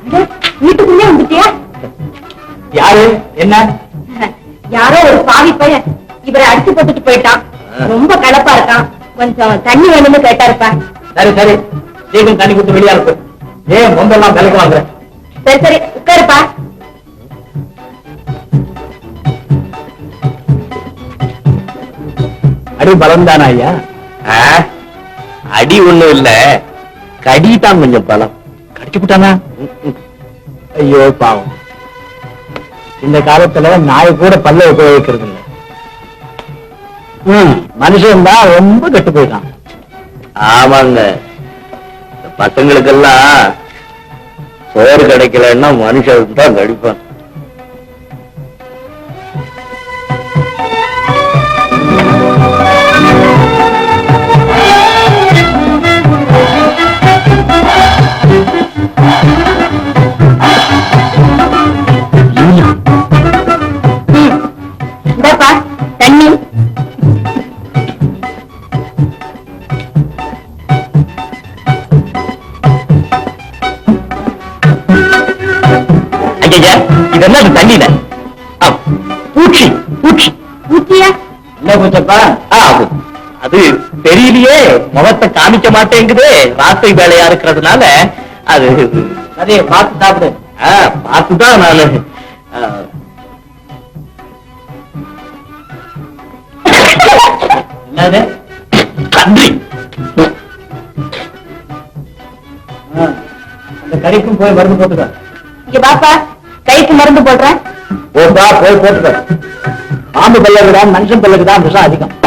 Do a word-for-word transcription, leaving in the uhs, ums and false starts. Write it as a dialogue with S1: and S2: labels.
S1: வீட்டுக்குள்ளே வந்துட்டியா?
S2: யாரு? என்ன?
S1: யாரோ ஒரு பாவி பையன் இவரை அடிச்சு போட்டுட்டு போயிட்டான். ரொம்ப கலப்பா இருக்கான். கொஞ்சம் தண்ணி வேணும்னு கேட்டாருப்பா.
S2: சரி சரி, சீக்கிரம் தண்ணி கொடுத்து வெளியா இருக்கு. ஏன் பொம்பெல்லாம் விலைக்கு வாங்குற?
S1: சரி சரி உட்காருப்பா.
S2: அடி பலம் தானா ஐயா?
S3: அடி ஒண்ணும் இல்ல, கடிதான் கொஞ்சம் பலம்.
S2: கடிச்சு விட்டானா? ஐயோ பாவம், இந்த காலத்துல நாய் கூட பல்ல உபயோகிக்கிறது இல்லை. மனுஷன் தான் ரொம்ப கெட்டு போயிட்டான்.
S3: ஆமாங்க, பசங்களுக்கெல்லாம் சோறு கிடைக்கலன்னா மனுஷன் தான் கடிப்பான்.
S1: இந்தாப்பா தண்ணி.
S3: ஐயா, இதெல்லாம் தண்ணியில பூச்சி பூச்சி
S1: ஊட்டியா?
S2: என்ன பூச்சப்பா?
S3: அது தெரியலையே, முகத்தை காமிக்க மாட்டேங்குது. ராசை வேலையா இருக்கிறதுனால அது.
S2: அதே பார்த்து சாப்பிடு.
S3: பார்த்துதான் நானு.
S2: என்னது?
S3: கன்றி.
S2: அந்த கறிக்கும் போய் மருந்து போட்டுக்க.
S1: இங்க பாப்பா, கைக்கு மருந்து போடுறேன்.
S2: போட்டா போய் போட்டுக்க. பாம்பு பல்லுக்கு தான் மனுஷன் பல்லுக்கு தான் விஷம் அதிகம்.